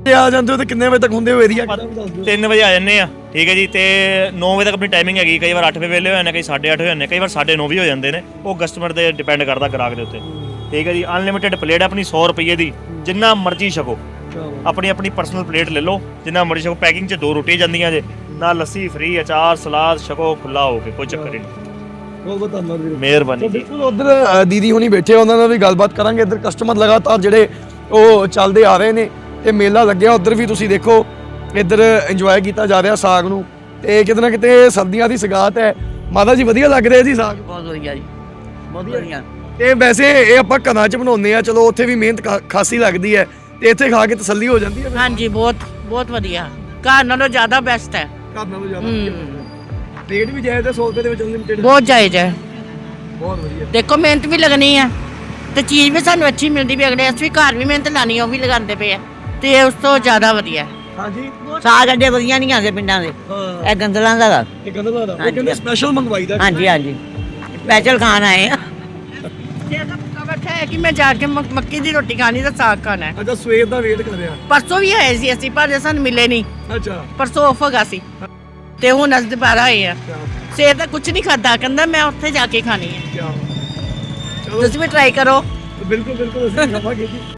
ਆ ਜਾਂਦੇ ਹੋ ਤੇ ਕਿੰਨੇ ਵਜੇ ਤੱਕ ਹੁੰਦੇ ਹੋ ਏਰੀਆ? 3 ਵਜੇ ਆ ਜਾਂਦੇ ਆ, ਠੀਕ ਹੈ ਜੀ। ਤੇ 9 ਵਜੇ ਤੱਕ ਆਪਣੀ ਟਾਈਮਿੰਗ ਹੈਗੀ। ਕਈ ਵਾਰ 8 ਵਜੇ ਵੇਲੇ ਹੋ ਜਾਂਦੇ, ਕਈ 8:30 ਹੋ ਜਾਂਦੇ, ਕਈ ਵਾਰ 9:30 ਵੀ ਹੋ ਜਾਂਦੇ ਨੇ। ਉਹ ਕਸਟਮਰ ਤੇ ਡਿਪੈਂਡ ਕਰਦਾ ਗ੍ਰਾਹਕ ਦੇ ਉੱਤੇ, ਠੀਕ ਹੈ ਜੀ। ਅਨਲਿਮਿਟਿਡ ਪਲੇਟ ਆਪਣੀ 100 ਰੁਪਏ ਦੀ, ਜਿੰਨਾ ਮਰਜ਼ੀ ਛਕੋ। ਆਪਣੀ ਪਰਸਨਲ ਪਲੇਟ ਲੈ ਲਓ, ਜਿੰਨਾ ਮਰਜ਼ੀ ਛਕੋ। ਪੈਕਿੰਗ 'ਚ 2 ਰੋਟੀਆਂ ਜਾਂਦੀਆਂ ਜੇ ਨਾਲ, ਲੱਸੀ ਫ੍ਰੀ, ਅਚਾਰ ਸਲਾਦ ਛਕੋ ਖੁੱਲਾ ਹੋ ਕੇ, ਕੋਈ ਚੱਕਰ ਹੀ ਨਹੀਂ। ਬਹੁਤ ਧੰਨਵਾਦ ਵੀਰੇ, ਮਿਹਰਬਾਨੀ ਜੀ। ਬਿਲਕੁਲ। ਉਧਰ ਦੀਦੀ ਹੁਣੀ ਬੈਠੇ, ਉਹਨਾਂ ਨਾਲ ਵੀ ਗੱਲਬਾਤ ਕਰਾਂਗੇ। ਇੱਧਰ ਕਸਟਮਰ ਲਗਾਤਾਰ ਜਿਹੜੇ ਉਹ ਚੱਲਦੇ ਆ ਰਹੇ ਨੇ ਤੇ ਮੇਲਾ ਲੱਗਿਆ। ਉਧਰ ਵੀ ਤੁਸੀਂ ਦੇਖੋ, ਇੱਧਰ ਇੰਜੋਏ ਕੀਤਾ ਜਾ ਰਿਹਾ ਸਾਗ ਨੂੰ, ਤੇ ਕਿਤੇ ਨਾ ਕਿਤੇ ਸਰਦੀਆਂ ਦੀ ਸਗਾਤ ਹੈ। ਮਾਤਾ ਜੀ ਵਧੀਆ ਲੱਗ ਰਿਹਾ ਜੀ ਸਾਗ? ਬਹੁਤ ਵਧੀਆ ਜੀ, ਬਹੁਤ ਵਧੀਆ। ਤੇ ਵੈਸੇ ਇਹ ਆਪਾਂ ਘਰਾਂ 'ਚ ਬਣਾਉਂਦੇ ਆ, ਚਲੋ ਉੱਥੇ ਵੀ ਮਿਹਨਤ ਖਾਸੀ ਲੱਗਦੀ ਹੈ, ਤੇ ਇੱਥੇ ਖਾ ਕੇ ਤਸੱਲੀ ਹੋ ਜਾਂਦੀ ਹੈ। ਹਾਂਜੀ, ਬਹੁਤ ਵਧੀਆ। ਘਰ ਨਾਲੋਂ ਜ਼ਿਆਦਾ ਬੈਸਟ ਹੈ। ਘਰ ਨਾਲੋਂ ਜ਼ਿਆਦਾ ਰੇਟ ਵੀ ਜਾਇਜ਼ ਹੈ, 100 ਰੁਪਏ ਦੇ ਵਿੱਚ ਅਨਲਿਮਿਟਿਡ। ਬਹੁਤ ਜਾਇਜ਼ ਹੈ, ਬਹੁਤ ਵਧੀਆ। ਦੇਖੋ ਮਿਹਨਤ ਵੀ ਲੱਗਣੀ ਆ ਤੇ ਚੀਜ਼ ਵੀ ਸਾਨੂੰ ਅੱਛੀ ਮਿਲਦੀ ਵੀ। ਅਗਲੇ ਅਸੀਂ ਵੀ ਘਰ ਵੀ ਮਿਹਨਤ ਲਾਣੀ, ਉਹ ਵੀ ਲਗਾਉਂਦੇ ਪਏ ਆ, ਤੇ ਉਸ ਤੋਂ ਜ਼ਿਆਦਾ ਵਧੀਆ। ਹਾਂਜੀ, ਸਾਗ ਅੱਡੇ ਵਧੀਆ ਨਹੀਂ ਆਉਂਦੇ ਪਿੰਡਾਂ ਦੇ, ਇਹ ਗੰਦਲਾਂ ਦਾ। ਇਹ ਗੰਦਲਾ ਦਾ, ਇਹ ਕਹਿੰਦੇ ਸਪੈਸ਼ਲ ਮੰਗਵਾਈਦਾ। ਹਾਂਜੀ ਸਪੈਸ਼ਲ ਖਾਣ ਆਏ ਆ। ਇਹ ਤਾਂ ਪੱਕਾ ਬੈਠਾ ਹੈ ਕਿ ਮੈਂ ਜਾ ਕੇ ਮੱਕੀ ਦੀ ਰੋਟੀ ਖਾਣੀ ਤੇ ਸਾਗ ਖਾਣਾ ਹੈ। ਅੱਛਾ, ਸਵੇਰ ਦਾ ਵੇਟ ਕਰ ਰਿਹਾ। ਪਰਸੋਂ ਵੀ ਆਏ ਸੀ ਅਸੀਂ, ਪਰ ਸਾਨੂੰ ਮਿਲੇ ਨਹੀਂ। ਅੱਛਾ, ਪਰਸੋਂ ਆਫ ਹੈਗਾ ਸੀ, ਤੇ ਹੁਣ ਅੱਜ ਦੁਬਾਰਾ ਆਏ ਆ। ਸਵੇਰ ਦਾ ਕੁਝ ਨਹੀਂ ਖਾਦਾ, ਕਹਿੰਦਾ ਮੈਂ ਉੱਥੇ ਜਾ ਕੇ ਖਾਣੀ ਹੈ। ਚਲੋ ਤੁਸੀਂ ਵੀ ਟਰਾਈ ਕਰੋ। ਬਿਲਕੁਲ ਅਸੀਂ ਖਾਵਾਂਗੇ ਜੀ।